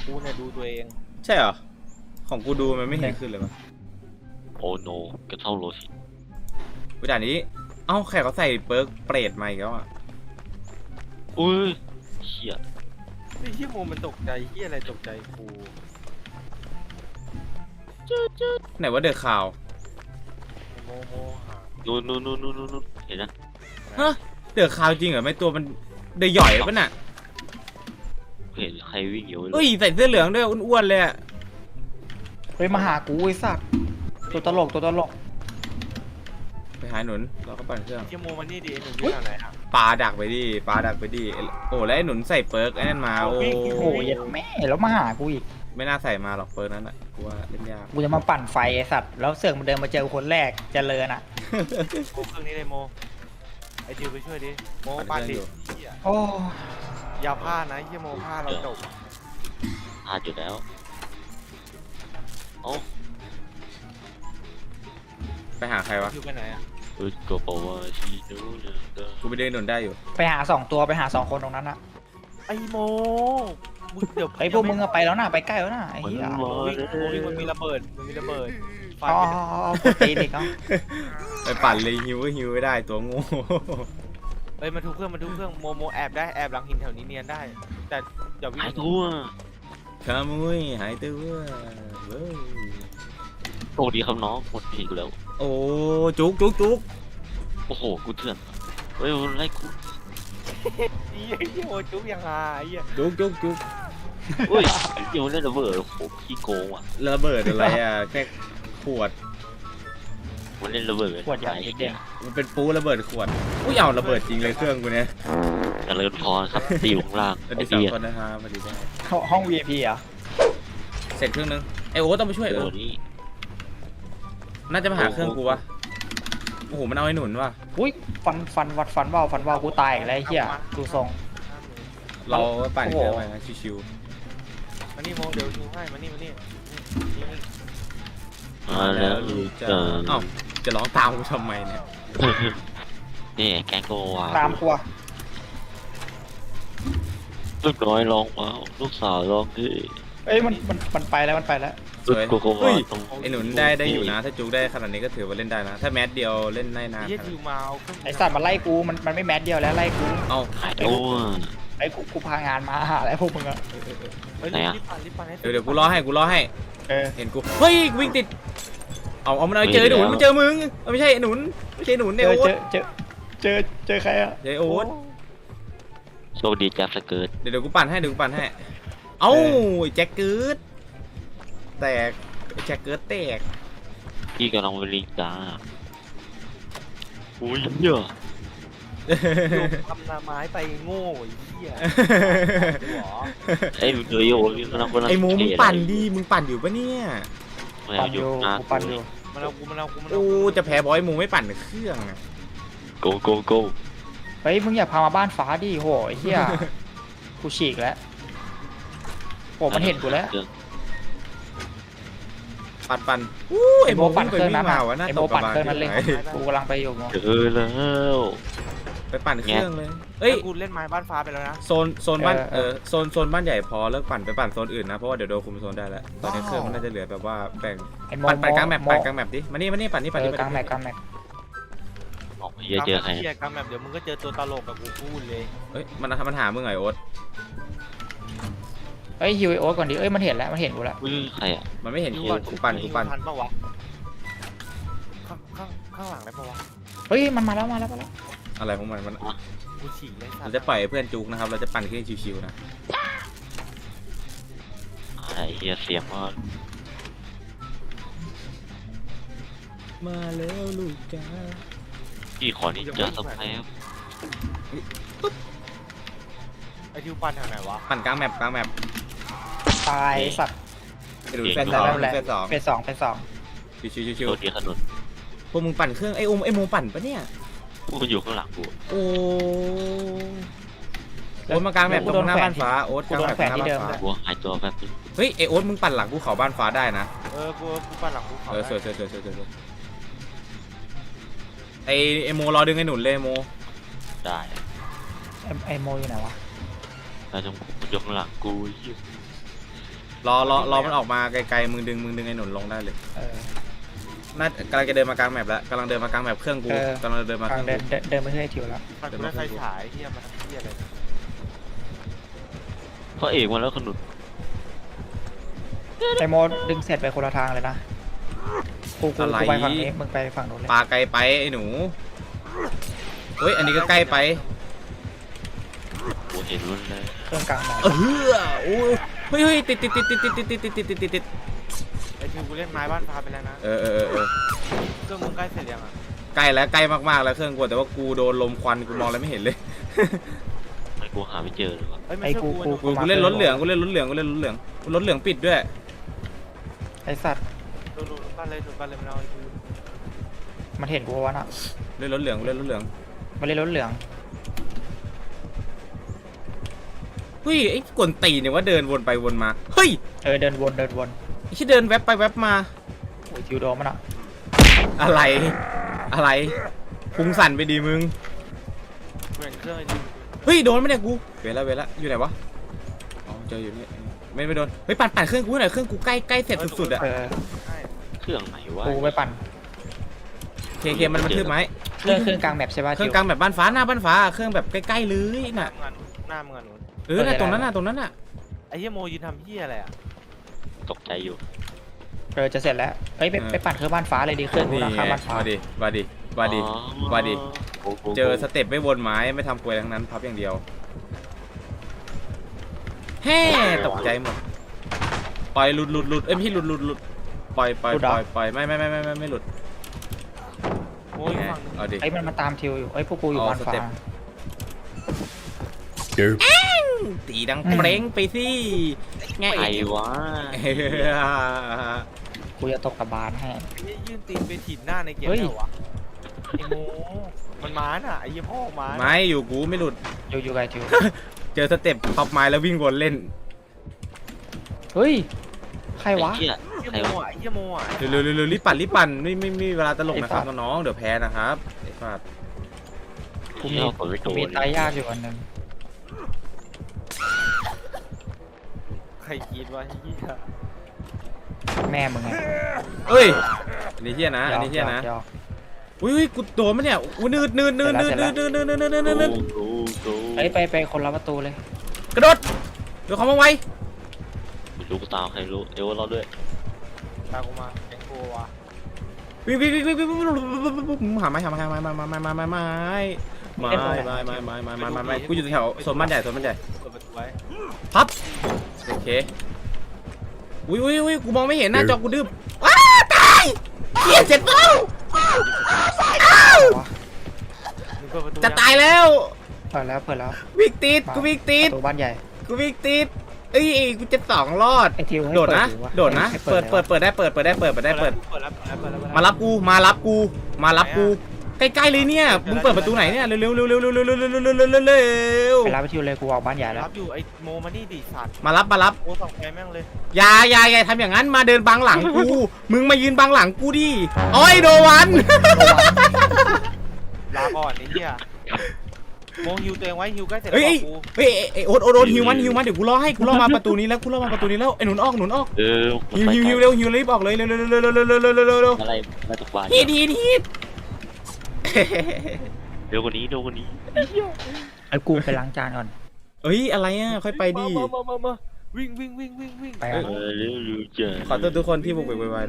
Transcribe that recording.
กูเนี่ยดูตัวเองใช่เหรอของกูดูมันไม่เห็นขึ้นเลยวะโอ้โนกระเท่าโลสิวิธีนี้เอ้าแขกเขาใส่เปิร์กเปรตมาอีกแล้วอ่ะอุ้ยเชี่ยไอ้เหี้ยโมมันตกใจเหี้ยอะไรตกใจกูไหนว่าเดอะข่าวโมหานู่นเห็นนะฮะเดอะข่าวจริงเหรอไม่ตัวมันเดอะหย่อยปะน่ะเห็นใครวิ่งอยู่เอ้ยใส่เสื้อเหลืองด้วยอ้วนๆเลยอะเฮ้ยมาหากูไอ้สัตว์ตัวตลกตัวตลกไปหาหนุนเราก็ปั่นเครื่องเหี้ยโมมันนี่ดีหนูอยู่ทางไหนอ่ะปลาดักไปดิปลาดักไปดิโอ้แล้วไอ้หนุนใส่เปิร์กไอ้นั่นมาโอ้โอ้ยแม่แล้วมาหากูอีกไม่น่าใส่มาหรอกเปิร์กนั้นอ่ะกูว่าเล่นยากกูจะมาปั่นไฟไอ้สัตว์แล้วเสือกมาเดินมาเจอคนแรกเจริญอ่ะโมเครื่องนี้เลยโมไอจิวไปช่วยดิโมปั่นดิเหี้ยโอ้อย่าพลาดนะเหี้ยโมพลาดเราจบพลาดอยู่แล้วโอ้ไปหาใครวะจิวไปไหนอ่ะอุดก็บอกว่าชีดูเนอะกูไปเดินหนุนได้อยู่ไปหา2ตัวไปหา2คนตรงนั้นอ่ะไอโมมึงเดี๋ยวไอ้พวกมึงอะไปแล้วนะไปใกล้แล้วนะไอ้เหี้ยโมวิ่งมันมีระเบิดมันมีระเบิดไฟอ๋อไม่ได้กดตีนอีกเนาะไปปั่นเลยฮิวก็ฮิวไม่ได้ตัวโง่เฮ้ยมาทุบเครื่องโมแอบได้แอบหลังหินแถวนี้เนียนได้ แต่อย่าวิ่งหายตัวขโมุยหายตัวเว้ยโชคดีครับน้องหมดผีกูแล้วโอ้จุกจุกจุกโอ้โหกูเถื่อนเฮ้ยมันไล่กูเหี้ยโมจุ๊บยังไงเหี้ยจุกจุกจุกเฮ้ยเดี๋ยวเล่นระเบิดโอ้โหขี้โกงว่ะระเบิดอะไรอ่ะแค่ขวดมันเล่นระเบิดขวดใหญ่เด็กมันเป็นปูระเบิดขวดอุ้ยเอาระเบิดจริงเลยเครื่องกูเนี่ยเจริญพรครับตีอยู่ข้างล่างสวัสไอ้ดีสองเหี้ยคนนะครับสวัสดีได้ห้อง VIP อ่ะเสร็จเครื่องนึงไอโอ๊ตต้องไปช่วยเดี๋ยวนี้น่าจะมาหาเครื่องกูวะโอ้โหมันเอาไอ้หนุนว่ะอุ้ยฟันเบากูตายอีกแล้วไอ้เหี้ยดูทรงเราปั่นเครื่องไปนะชิวมานี่โมเดี๋ยวชูให้มานี่นี่ๆมาแล้วลูกเจอเอ้าจะร้องตามกูทำไมเนี่ยนี่แกงโกวาตามกูอะลูกน้อยร้องว้าวลูกสาวร้องเฮ้ยเอ้ยมันไปแล้วมันไปแล้วสวยโกโกวาเฮ้ยตรงไอหนุนได้อยู่นะ ถ้าจุกได้ขนาดนี้ก็ถือว่าเล่นได้นะ ถ้าแมสเดียวเล่นได้นานเหี้ยจิวมาเอาเครื่องไอ้สัตว์มันไล่กูมันไม่แมสเดียวแล้วไล่กูเอาหายตัวไอ้กูพางานมาหาแล้วพวกมึงอะเฮ้ยไหนอะรีบปั่นให้เดี๋ยวกูรอให้เออเห็นกูเฮ้ยวิ่งติดเอามันเอาเจอหนุนมันเจอมึงไม่ใช่หนุนไม่ใช่หนุนเจเนี่ยอโอ๊ตเจอใครอะเดี๋ยวโอ๊ตโชคดีแจ๊บสเกิร์ตเดี๋ยวกูปั่นให้เอ้าแจ็คเกิร์ดแตกแจ็คเกิร์ดแตกพี่กำลังไปลิงจ้าอุ้ยเยอะทำนาไม้ไปโง่ไอ้เหี้ยหัวไอ้เดย์โอ้ยกำลังไอ้หมูมึงปั่นดิมึงปั่นอยู่ปะเนี่ยไม่ปั่เอานออยู่ ยู่นะกูปั่นอยู่มันเอากูโอ้จะแพ้บอยหมูไม่ปั่นเครื่องอะโกโกโกเฮ้ยมึงอย่าพามาบ้านฟ้าดิโหไอ้เหี้ยกูฉีกแล้วโหมันเห็นกูแล้วปั่นอู้ไอ้โมปั่นเครื่องนั้นมาวะน่าไอ้ตโมกกระปั่นบาลเครื่องนั้นเลยที่ไหนกูกำลังไปอยู่โมเจอแล้วไปปั่นเครื่องเลยเฮ้เอ้ยยกูเล่นไม้บ้านฟ้าไปแล้วนะโซนบ้านโซนบ้านใหญ่พอเลิกปั่นไปปั่นโซนอื่นนะเพราะว่าเดี๋ยวโดนคุมโซนได้แล้วตอนนี้เครื่องมันน่าจะเหลือแบบว่าแบ่งไอ้โมปั่นกลางแมปโมปั่นกลางแมปดิมานี่ปั่นนี่กลางแมปกลางแมปออกมาเจอใครเหี้ยกลางแบบเดี๋ยวมึงก็เจอตัวตลกกับกูพูดเลยเฮ้ยมันหามึงไงโอ๊ตเฮ้ยฮิวไอโอ๊ตก่อนดิเอ้ยมันเห็นแล้วมันเห็นกูแล้วอุ้ยใครอ่ะมันไม่เห็นกูปั่นทันปะวะข้างหลังได้ปะวะเฮ้ยมันมาแล้วอะไรของมันกูฉีกเลยสัตเราว์จะปล่อยให้เพื่อนจุกนะครับเราจะปั่นเครื่องชิวๆนะไอ้เฮียเสียงว่ามาแล้วลูกจ้าพี่ขอนี่จะสับแพ้ไอทิวปั่นทางไหนวะปั่นกลางแมปตายสัตว์ไปดูเฟสแต่สองไม่เป็นไรเฟสสองเป็นสองชิวโชคดีขนุนๆพวกมึงปั่นเครื่องไอ้โมปั่นปะเนี่ยกูอยู่ข้างหลังกูโอ้โอ๊ตมากลางแมปตรงหน้าบ้านฟ้าโอ๊ตกลางแมปตรงหน้าบ้านฟ้ากูหายตัวแป๊บนึงเฮ้ยไอโอ๊ตมึงปั่นหลังภูเขาบ้านฟ้าได้นะกูปั่นหลังกูเขาสวยไอโมรอดึงไอหนุนเลยโมได้ไอโมอยู่ไหนวะแต่จงอยู่ข้างหลังกูรอมันออกมาไกลๆมึงดึงไอ้หนุนลงได้เลยเออน่ากำลังจะเดินมากลางแมปแล้วกำลังเดินมากลางแมปเครื่องกูเออกำลังเดินมาเคกลางรื่องเดินกูเดินไปเรื่อยทิวแล้วมันกูได้ไฟฉายเฮียมาทำเฮียอะไรพระเอกมาแล้วขนุนไอโมดึงเสร็จไปคนละทางเลยนะกูไปฝั่งนี้มึงไปฝั่งนู้นเลยปลาไกลไปไอ้หนูเฮ้ยอันนี้ก็ใกล้ไปกูเห็นรุ่นเลยเครื่องกลางหมอโอ้ยเฮ้ยติดไอ้ทิวกูเล่นไม้บ้านฟ้าไปแล้วนะเออเครื่องมึงใกล้เสร็จยังอ่ะใกล้แล้วใกล้มากๆแล้วเครื่องกูแต่ว่ากูโดนลมควันกูมองอะไรไม่เห็นเลยไอ้กูหาไม่เจอเลยวะเฮ้ยไม่ไอใช่กูกูเล่นรถเหลืองรถเหลืองปิดด้วยไอสัตว์ดูบ้านเลยมันเอาไอ้ทิวมันเห็นกูวะน่ะเล่นรถเหลืองมันเล่นรถเหลืองเฮ้ยไอ้กวนตีเนี่ยว่าเดินวนไปวนมาเฮ้ยเออเดินวนไอ้ที่เดินแวบไปแวบมาโอ้ยทิวโดนมันอ่ะอะไรพุงสั่นไปดีมึงเหมือนเครื่องไอ้ทิวเฮ้ยโดนไหมเนี่ยกูเวลาอยู่ไหนวะอ๋อเจออยู่นี่ไม่โดนเฮ้ยปั่นเครื่องกูหน่อยเครื่องกูใกล้เสร็จสุดๆอ่ะเออใช่เครื่องไหนวะกูไปปั่นเคมันทึบไหมเครื่องกลางแมปใช่ป่ะเครื่องกลางแบบบ้านฟ้าหน้าบ้านฟ้าเครื่องแบบใกล้ๆเลยน่ะหน้ามึงอ่ะหนูน่ะตรงนั้นน่ะไอ้เฮียโมยืนทำเฮียอะไรอ่ะตกใจอยู่เออจะเสร็จแล้วเฮ้ยไปปั่นเครื่องบ้านฟ้าเลยดิเครื่องกูนี่ราไงคาบ้านฟ้ามาดิโอ้โหเจอสเต็ปไม่วนไม้ไม่ทำกลวยทั้งนั้นพับอย่างเดียวแฮ่ตกใจหมดปล่อยหลุดเอ้ยพี่หลุดปล่อยไม่หลุดโมยฝั่งนึงเอาดิไอ้มันมาตามทิวอยู่ไอ้ยพวกกูอยู่อ๋อบ้านฟ้าสเต็ป ตีดังเปร่งไปสิไงไอ้วะกูจะตกกระบาลให้ไอ้ยื่นตีนไปถีบหน้าในเกมเฮ้ยแล้ววะไอ้โมมันม้าน่ะไอ้เหี้ยพ่อม้าไม่อยู่กูไม่หลุดอยู่ไกลทิวเจอสเต็ปพับไม้แล้ววิ่งวนเล่นเฮ้ยใครไอ้วะเหี้ยไอ้ใครโมวะอ่ะไอ้เหี้ยโมอ่ะเร็วรีบปั่นไม่มีเวลาตลกนะครับไอ้สัตว์น้องๆเดี๋ยวแพ้นะครับไอ้ฟาดกูมีเผลอไปโดกูนมีตายยากอยู่อันหนึงใครคิดว่าเหี้ยแม่มึงไงเอ้ยอันนี้เที่ยนะอันนี้เที่ยนะหยอกอุ้ยกูโดนมั้ยเนี่ยอุ้ยนืดโกเฮ้ยไปคนละประตูเลยกระโดดเดี๋ยวเขามาไวลูกตาวใครรู้เอวเราด้วยตามกูมาแกงโกวะวิ่งหาไม้กูอยู่แถวโซนบ้านใหญ่เปิดประตูไว้พับโอเคอุ้ยกูมองไม่เห็นหน้าจอกูดื้อว้าตายเหี้ยเจ็บเป้ามึงเปิดประตูจะตายแล้วเปิดแล้ววิ่งติดกูวิ่งติดประตูบ้านใหญ่เอ้ยกูจะสองรอดไอ้ทิวให้โดดนะเปิโดดนะให้เปิดแล้วเปิดได้เปิดแล้วมารับกูใกล้ๆเลยเนี่ยมึงเปิดประตูไหนเนี่ยเร็วไปรับไปทิวเลยกูออกบ้านใหญ่แล้วรับอยู่ไอ้โมมานี่ดิสัตว์มารับโมส่องไฟแม่งเลยอย่าทำอย่างนั้นมาเดินบังหลังกูมึงมายืนบังหลังกูดิโอ้ยโดวันลาก่อนไอ้เหี้ยโมฮิวตัวเองไว้ฮิวใกล้เสร็จแล้วเฮ้ยบอกกูเฮ้ยโอ๊ตฮิวมันเดี๋ยวกูรอมาประตูนี้แล้วไอ้หนุนออก ฮิวเร็วรีบออกเลยเร็วอะไรมาตกปลาฮีดเร็วกว่านี้ไอ้กูไปล้างจานก่อนเอ้ยอะไรอ่ะค่อยไปดิมาวิ่งไปเร็วจ้ะขอโทษทุกคนที่บุกไปไว